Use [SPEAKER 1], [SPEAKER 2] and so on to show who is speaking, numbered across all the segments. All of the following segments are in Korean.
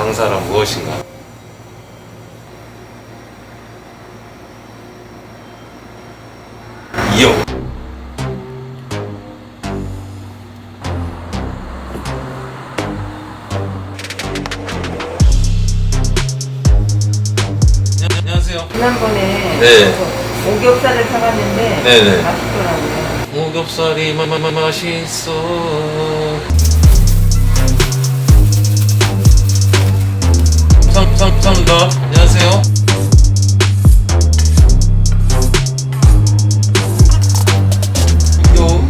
[SPEAKER 1] 장사란 무엇인가? 이용. 안녕하세요.
[SPEAKER 2] 지난번에
[SPEAKER 1] 네.
[SPEAKER 2] 오겹살을 사갔는데
[SPEAKER 1] 네네.
[SPEAKER 2] 맛있더라고요.
[SPEAKER 1] 오겹살이 맛있어. 감사합니다. 안녕하세요. 요.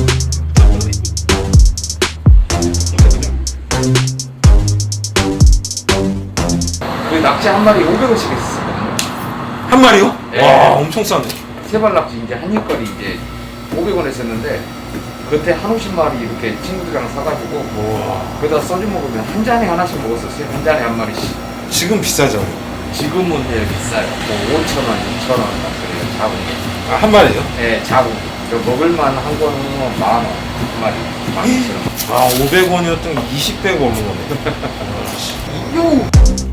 [SPEAKER 3] 그 낙지 한 마리 500원씩 했어요.
[SPEAKER 1] 한 마리요?
[SPEAKER 3] 네.
[SPEAKER 1] 와, 엄청 싸네.
[SPEAKER 3] 세발 낙지 이제 한입거리 이제 500원 했었는데 그때 한 50마리 이렇게 친구들이랑 사가지고 거기다 소주 먹으면 한 잔에 하나씩 먹었었어요. 한 잔에 한 마리씩.
[SPEAKER 1] 지금 비싸죠?
[SPEAKER 3] 지금은 예, 비싸요. 뭐 5,000원, 6,000원 그래요. 작은 게.
[SPEAKER 1] 아, 한 마리요?
[SPEAKER 3] 네, 작은 게. 먹을만 한 거는 10,000원 한 마리. 12,000원.
[SPEAKER 1] 아, 500원이었던 20배가 오는 거네. 요!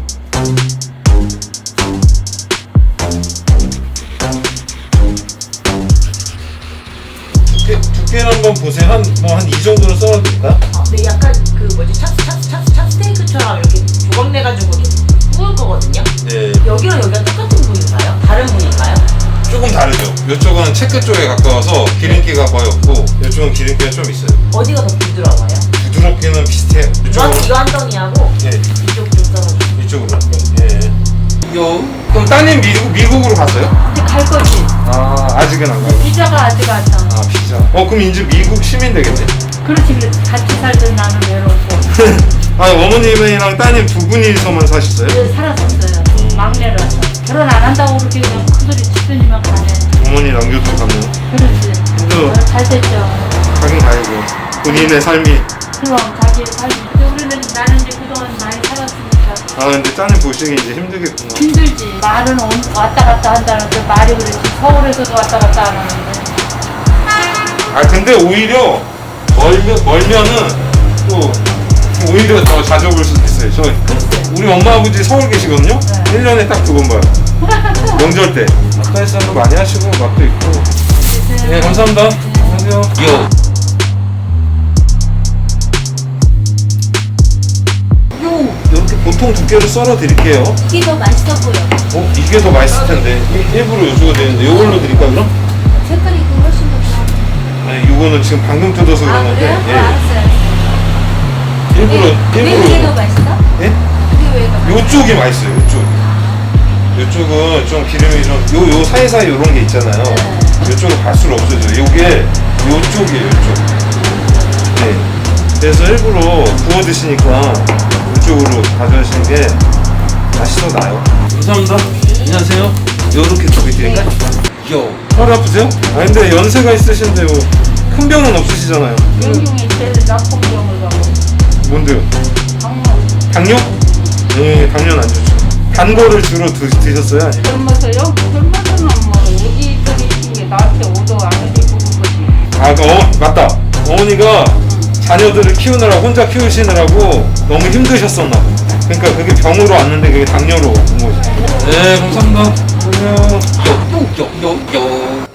[SPEAKER 1] 두께를 한번 보세요. 한 이 정도로 썰어도 될까?
[SPEAKER 4] 근데 약간 그 뭐지 찹스테이크처럼 이렇게 조각 내가지고 이렇게 구울 거거든요.
[SPEAKER 1] 네.
[SPEAKER 4] 여기랑 여기가 똑같은 부위인가요? 다른 부위인가요?
[SPEAKER 1] 조금 다르죠. 이쪽은 체크 쪽에 가까워서 기름기가 거의 없고 이쪽은 기름기가 좀 있어요.
[SPEAKER 4] 어디가 더 부드러워요?
[SPEAKER 1] 부드럽기는 비슷해요.
[SPEAKER 4] 이거 한 덩이하고
[SPEAKER 1] 예,
[SPEAKER 4] 이쪽 좀 썰어주세요.
[SPEAKER 1] 이쪽으로. 예. 요. 그럼 따님 미국으로 갔어요?
[SPEAKER 2] 근데 갈 거지.
[SPEAKER 1] 아, 아직은 안 가요.
[SPEAKER 2] 비자가 아직 안 나.
[SPEAKER 1] 아, 비자. 그럼 이제 미국 시민 되겠네.
[SPEAKER 2] 그렇지, 같이 살던 나는 외롭고.
[SPEAKER 1] 아, 어머님이랑 따님 두 분이서만 사셨어요?
[SPEAKER 2] 네, 살았었어요. 막내라서. 결혼 안 한다고 그렇게 그냥 큰소리 치더니만 가네.
[SPEAKER 1] 어머니 남겨두고 갔네요.
[SPEAKER 2] 그렇지.
[SPEAKER 1] 또
[SPEAKER 2] 잘 됐죠.
[SPEAKER 1] 가긴 가야죠. 본인의 삶이.
[SPEAKER 2] 그럼 자기 삶이. 근데 우리는 나는 이제 그동안 많이 살았으니까.
[SPEAKER 1] 아, 근데 따님 보시기 이제 힘들겠구나.
[SPEAKER 2] 힘들지. 말은 왔다 갔다 한다는데 말이 그렇지. 서울에서도 왔다 갔다 안 하는데.
[SPEAKER 1] 아, 근데 오히려 멀면은 또 오히려 더 자주 볼 수도 있어요. 우리 엄마 아버지 서울 계시거든요?
[SPEAKER 2] 네.
[SPEAKER 1] 1년에 딱 두 번 봐요. 명절 때. 가까이서도 많이 하시고 맛도 있고. 네, 감사합니다. 안녕하세요. 요. 이렇게 보통 두께로 썰어 드릴게요.
[SPEAKER 4] 이게 더 맛있어 보여.
[SPEAKER 1] 이게 더 맛있을 텐데. 일부러 요소가 되는데 이걸로 드릴까 그럼?
[SPEAKER 4] 색깔이 그 훨씬 더 좋아.
[SPEAKER 1] 아니, 이거는 지금 방금 뜯어서 그러는데. 예.
[SPEAKER 4] 알았어요.
[SPEAKER 1] 일부러
[SPEAKER 4] 왜 이게 더 맛있어?
[SPEAKER 1] 예?
[SPEAKER 4] 이게 왜 더 맛있어?
[SPEAKER 1] 요쪽이 맛있어요. 요쪽은 좀 기름이 좀 요 사이사이 요런 게 있잖아요. 요쪽은 갈수록 없어져요. 요게 요쪽이에요. 요쪽. 네. 그래서 일부러 구워 드시니까 이쪽으로 가져가시는 게 맛이 더 나요. 감사합니다. 안녕하세요. 요렇게 두개 드릴까요? 요. 허리 아프세요? 아, 근데 연세가 있으신데 큰 병은 없으시잖아요.
[SPEAKER 2] 영중에 제일 나쁜 병을 가고.
[SPEAKER 1] 뭔데요?
[SPEAKER 2] 방문.
[SPEAKER 1] 당뇨? 네, 당뇨는 안 좋죠. 단 거를 주로 드셨어요? 아니면?
[SPEAKER 2] 젊어서요? 젊어서는 뭐 어디저기 있는 게 나한테 오도 안 해주고 거지.
[SPEAKER 1] 아, 맞다. 어머니가 자녀들을 키우느라 혼자 키우시느라고 너무 힘드셨었나 봐. 그러니까 그게 병으로 왔는데 그게 당뇨로 온 거지. 네, 감사합니다. 안녕. 요.